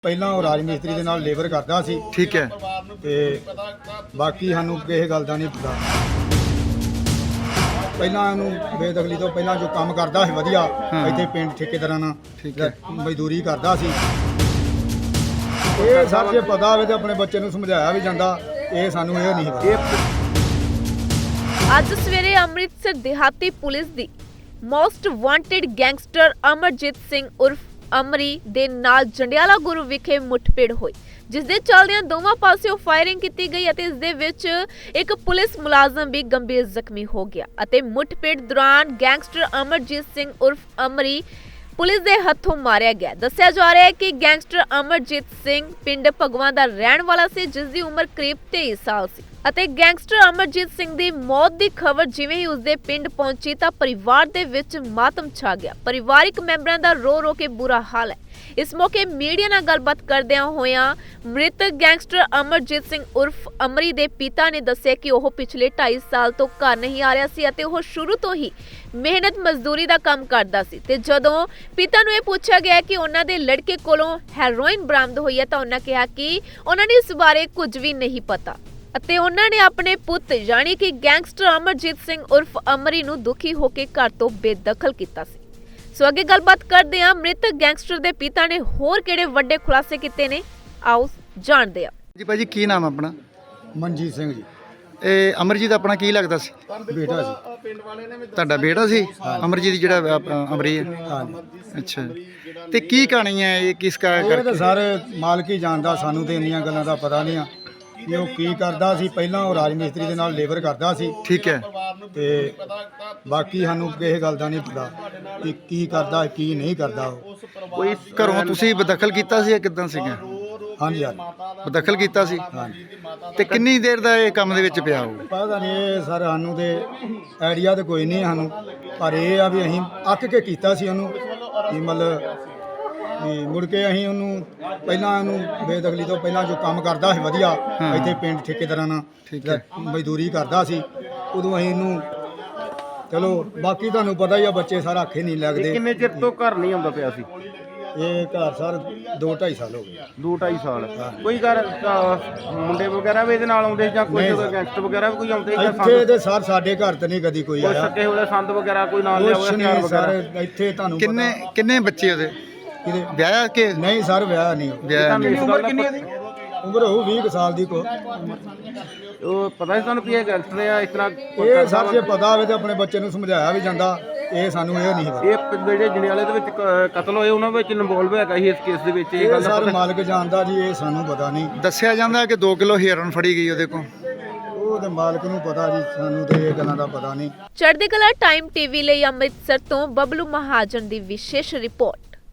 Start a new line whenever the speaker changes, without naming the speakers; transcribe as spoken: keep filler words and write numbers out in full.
ਪਹਿਲਾਂ ਉਹ ਰਾਜ ਮਿਸਤਰੀ ਦੇ ਨਾਲ ਲੇਬਰ ਕਰਦਾ ਸੀ।
ਠੀਕ ਹੈ।
ਤੇ ਬਾਕੀ ਸਾਨੂੰ ਕਿਸੇ ਗੱਲ ਦਾ ਨਹੀਂ ਪਤਾ। ਪਹਿਲਾਂ ਉਹਨੂੰ ਬੇਦਖਲੀ ਤੋਂ ਪਹਿਲਾਂ ਜੋ ਕੰਮ ਕਰਦਾ ਸੀ ਵਧੀਆ ਇੱਥੇ ਪਿੰਡ ਠੇਕੇਦਾਰਾਂ ਨਾਲ
ਠੀਕ ਹੈ
ਮਜ਼ਦੂਰੀ ਕਰਦਾ ਸੀ। ਇਹ ਸਰ ਜੇ ਪਤਾ ਹੋਵੇ ਤਾਂ ਆਪਣੇ ਬੱਚੇ ਨੂੰ ਸਮਝਾਇਆ ਵੀ ਜਾਂਦਾ, ਇਹ ਸਾਨੂੰ ਇਹ ਨਹੀਂ ਪਤਾ।
ਅੱਜ ਸਵੇਰੇ ਅੰਮ੍ਰਿਤਸਰ ਦਿਹਾਤੀ ਪੁਲਿਸ ਦੀ most wanted gangster Amarjit Singh ਉਰਫ ਅਮਰੀ ਦੇ ਨਾਲ ਜੰਡਿਆਲਾ ਗੁਰੂ ਵਿਖੇ ਮੁੱਠਭੇੜ ਹੋਈ, ਜਿਸ ਦੇ ਚੱਲਦਿਆਂ ਦੋਵਾਂ ਪਾਸਿਓਂ ਫਾਇਰਿੰਗ ਕੀਤੀ ਗਈ ਅਤੇ ਇਸ ਦੇ ਵਿੱਚ ਇੱਕ ਪੁਲਿਸ ਮੁਲਾਜ਼ਮ ਵੀ ਗੰਭੀਰ ਜ਼ਖਮੀ ਹੋ ਗਿਆ ਅਤੇ ਮੁੱਠਭੇੜ ਦੌਰਾਨ ਗੈਂਗਸਟਰ ਅਮਰਜੀਤ ਸਿੰਘ ਉਰਫ ਅਮਰੀ ਪੁਲਿਸ ਦੇ ਹੱਥੋਂ ਮਾਰਿਆ ਗਿਆ। ਦੱਸਿਆ ਜਾ ਰਿਹਾ ਹੈ ਕਿ ਗੈਂਗਸਟਰ ਅਮਰਜੀਤ ਸਿੰਘ ਪਿੰਡ ਭਗਵਾਂ ਦਾ ਰਹਿਣ ਵਾਲਾ ਸੀ, ਜਿਸ ਦੀ ਉਮਰ ਕਰੀਬ ਤੇਈ ਸਾਲ ਸੀ ਅਤੇ ਗੈਂਗਸਟਰ ਅਮਰਜੀਤ ਸਿੰਘ ਦੀ ਮੌਤ ਦੀ ਖਬਰ ਜਿਵੇਂ ਹੀ ਉਸਦੇ ਪਿੰਡ ਪਹੁੰਚੀ ਤਾਂ ਪਰਿਵਾਰ ਦੇ ਵਿੱਚ ਮਾਤਮ ਛਾ ਗਿਆ। ਪਰਿਵਾਰਿਕ ਮੈਂਬਰਾਂ ਦਾ ਰੋ ਰੋ ਕੇ ਬੁਰਾ ਹਾਲ ਹੈ। ਇਸ ਮੌਕੇ ਮੀਡੀਆ ਨਾਲ ਗੱਲਬਾਤ ਕਰਦਿਆਂ ਹੋਇਆਂ ਮ੍ਰਿਤਕ ਗੈਂਗਸਟਰ ਅਮਰਜੀਤ ਸਿੰਘ ਉਰਫ ਅਮਰੀ ਦੇ ਪਿਤਾ ਨੇ ਦੱਸਿਆ ਕਿ ਉਹ ਪਿਛਲੇ ਢਾਈ ਸਾਲ ਤੋਂ ਘਰ ਨਹੀਂ ਆ ਰਿਹਾ ਸੀ ਅਤੇ ਉਹ ਸ਼ੁਰੂ ਤੋਂ ਹੀ ਮਿਹਨਤ ਮਜ਼ਦੂਰੀ ਦਾ ਕੰਮ ਕਰਦਾ ਸੀ ਤੇ ਜਦੋਂ ਪਿਤਾ ਨੂੰ ਇਹ ਪੁੱਛਿਆ ਗਿਆ ਕਿ ਉਹਨਾਂ ਦੇ ਲੜਕੇ ਕੋਲੋਂ ਹੈਰੋਇਨ ਬਰਾਮਦ ਹੋਈ ਹੈ ਤਾਂ ਉਹਨਾਂ ਕਿਹਾ ਕਿ ਉਹਨਾਂ ਨੂੰ ਇਸ ਬਾਰੇ ਕੁਝ ਵੀ ਨਹੀਂ ਪਤਾ ਅਤੇ ਉਹਨਾਂ ਨੇ ਆਪਣੇ ਪੁੱਤ ਯਾਨੀ ਕਿ ਗੈਂਗਸਟਰ ਅਮਰਜੀਤ ਸਿੰਘ ਉਰਫ ਅਮਰੀ ਨੂੰ ਦੁਖੀ ਹੋ ਕੇ ਘਰ ਤੋਂ ਬੇਦਖਲ ਕੀਤਾ ਸੀ। ਸੋ ਅੱਗੇ ਗੱਲਬਾਤ ਕਰਦੇ ਹਾਂ ਮ੍ਰਿਤਕ ਗੈਂਗਸਟਰ ਦੇ ਪਿਤਾ ਨੇ ਹੋਰ ਕਿਹੜੇ ਵੱਡੇ ਖੁਲਾਸੇ ਕੀਤੇ ਨੇ, ਆਓ ਜਾਣਦੇ ਹਾਂ।
ਜੀ ਭਾਜੀ ਕੀ ਨਾਮ ਆਪਣਾ?
ਮਨਜੀਤ ਸਿੰਘ ਜੀ।
ਇਹ ਅਮਰਜੀਤ ਆਪਣਾ ਕੀ ਲੱਗਦਾ ਸੀ?
ਬੇਟਾ ਸੀ।
ਤੁਹਾਡਾ ਬੇਟਾ ਸੀ ਅਮਰਜੀਤ ਜਿਹੜਾ ਅ, ਅਮਰੀ ਹੈ?
ਹਾਂਜੀ।
ਅੱਛਾ, ਤੇ ਕੀ ਕਹਾਣੀ ਹੈ ਇਹ, ਕਿਸ ਕਾ
ਇਹ ਤਾਂ
ਕਰਕੇ?
ਸਰ ਮਾਲਕ ਹੀ ਜਾਣਦਾ, ਸਾਨੂੰ ਤੇ ਇੰਨੀਆਂ ਗੱਲਾਂ ਦਾ ਪਤਾ ਨਹੀਂ ਆ ਕਿ ਉਹ ਕੀ ਕਰਦਾ ਸੀ। ਪਹਿਲਾਂ ਉਹ ਰਾਜ ਮਿਸਤਰੀ ਦੇ ਨਾਲ ਲੇਬਰ ਕਰਦਾ ਸੀ
ਠੀਕ ਹੈ।
ਤੇ ਬਾਕੀ ਸਾਨੂੰ ਕਿਸੇ ਗੱਲ ਦਾ ਨਹੀਂ ਪਤਾ ਕਿ ਕੀ ਕਰਦਾ ਕੀ ਨਹੀਂ ਕਰਦਾ ਉਹ।
ਕੋਈ ਘਰੋਂ ਤੁਸੀਂ ਬਦਖਲ ਕੀਤਾ ਸੀ ਜਾਂ ਕਿੱਦਾਂ ਸੀਗਾ?
ਹਾਂਜੀ ਹਾਂਜੀ
ਬਦਖਲ ਕੀਤਾ ਸੀ।
ਹਾਂਜੀ।
ਤੇ ਕਿੰਨੀ ਦੇਰ ਦਾ ਇਹ ਕੰਮ ਦੇ ਵਿੱਚ ਪਿਆ ਹੋਊ?
ਪਤਾ ਨਹੀਂ ਇਹ ਸਰ ਸਾਨੂੰ ਤੇ ਆਈਡੀਆ ਤੇ ਕੋਈ ਨਹੀਂ ਸਾਨੂੰ, ਪਰ ਇਹ ਆ ਵੀ ਅਸੀਂ ਅੱਕ ਕੇ ਕੀਤਾ ਸੀ ਉਹਨੂੰ ਕਿ ਮਤਲਬ ਵੀ ਮੁੜ ਕੇ ਅਸੀਂ ਉਹਨੂੰ ਪਹਿਲਾਂ ਉਹਨੂੰ ਬੇਦਖਲੀ ਤੋਂ ਪਹਿਲਾਂ ਜੋ ਕੰਮ ਕਰਦਾ ਸੀ ਵਧੀਆ ਇੱਥੇ ਪਿੰਡ ਠੇਕੇਦਾਰਾਂ ਨਾਲ
ਠੀਕ ਹੈ
ਮਜ਼ਦੂਰੀ ਕਰਦਾ ਸੀ, ਉਦੋਂ ਅਸੀਂ ਇਹਨੂੰ ਚਲੋ ਬਾਕੀ ਤੁਹਾਨੂੰ ਪਤਾ ਹੀ ਆ ਬੱਚੇ ਸਾਰਾ ਅੱਖੇ ਨਹੀਂ ਲੱਗਦੇ।
ਕਿੰਨੇ ਚਿਰ ਤੋਂ ਘਰ ਨਹੀਂ ਆਉਂਦਾ ਪਿਆ ਸੀ?
ਇਹ ਘਰ ਸਰ ਦੋ ਢਾਈ ਸਾਲ ਹੋ ਗਏ।
ਦੋ ਢਾਈ ਸਾਲ ਕੋਈ ਘਰ ਅ, ਮੁੰਡੇ ਵਗੈਰਾ ਵੀ ਇਹਦੇ ਨਾਲ ਆਉਂਦੇ ਜਾਂ ਕੋਈ
ਨਹੀਂ ਸਰ।
ਗੈਂਗਸਟਰ ਵਗੈਰਾ ਵੀ ਕੋਈ ਆਉਂਦੇ ਜਾਂ
ਇੱਥੇ
ਸੰਦ
ਤੇ ਸਰ ਸਾਡੇ ਘਰ ਤੇ ਨਹੀਂ ਕਦੀ ਕੋਈ
ਕੋਈ
ਆਇਆ।
ਸੱਕੇ ਹੋਏ ਸੰਦ ਵਗੈਰਾ ਕੋਈ ਨਾਲ ਲਿਆ
ਕੁਛ
ਹੋਇਆ ਹਥਿਆਰ
ਨਹੀਂ
ਵਗੈਰਾ?
ਸਰ ਇੱਥੇ ਤੁਹਾਨੂੰ
ਕਿੰਨੇ ਕਿੰਨੇ ਬੱਚੇ ਉਹਦੇ?
ਕਿਹਦੇ
ਵਿਆਹਿਆ ਕਿ
ਨਹੀਂ ਸਰ ਵਿਆਹ ਨਹੀਂ।
ਵਿਆਹ ਨਹੀਂ?
ਉਮਰ ਕਿੰਨੀ ਹੈ?
ਉਮਰ ਹੋਊ ਵੀਹ ਕੁ ਸਾਲ ਦੀ ਕੋ।
ਉਹ ਪਤਾ ਸੀ ਤੁਹਾਨੂੰ ਵੀ ਇਹ ਗੈਂਗਸਟਰ ਆ ਇਸ ਤਰ੍ਹਾਂ
ਇਹ ਸਰ ਜੇ ਪਤਾ ਹੋਵੇ ਤਾਂ ਆਪਣੇ ਬੱਚੇ ਨੂੰ ਸਮਝਾਇਆ ਵੀ ਜਾਂਦਾ, ਇਹ ਸਾਨੂੰ ਇਹ ਨਹੀਂ ਪਤਾ।
ਇਹ ਪਿੰਡ ਜਿਹੜੇ ਜੰਡਿਆਲੇ ਦੇ ਵਿੱਚ ਕ- ਕਤਲ ਹੋਏ ਉਹਨਾਂ ਵਿੱਚ ਇਨਵੋਲਵ ਹੈਗਾ ਸੀ ਇਸ ਕੇਸ ਦੇ ਵਿੱਚ? ਇਹ
ਇਹ
ਗੱਲ ਦਾ
ਸਰ
ਪਤਾ?
ਮਾਲਕ ਜਾਣਦਾ ਜੀ, ਇਹ ਸਾਨੂੰ ਪਤਾ ਨਹੀਂ।
ਦੱਸਿਆ ਜਾਂਦਾ ਕਿ ਦੋ ਕਿਲੋ ਹੀਰਨ ਫੜੀ ਗਈ ਉਹਦੇ ਕੋਲ।
ਉਹ ਤੇ ਮਾਲਕ ਨੂੰ ਪਤਾ ਜੀ, ਸਾਨੂੰ ਤੇ ਇਹ ਗੱਲਾਂ ਦਾ ਪਤਾ ਨਹੀਂ।
ਚੜ੍ਹਦੀ ਕਲਾ ਟਾਈਮ ਟੀਵੀ ਲਈ ਅੰਮ੍ਰਿਤਸਰ ਤੋਂ ਬਬਲੂ ਮਹਾਜਨ ਦੀ ਵਿਸ਼ੇਸ਼ ਰਿਪੋਰਟ।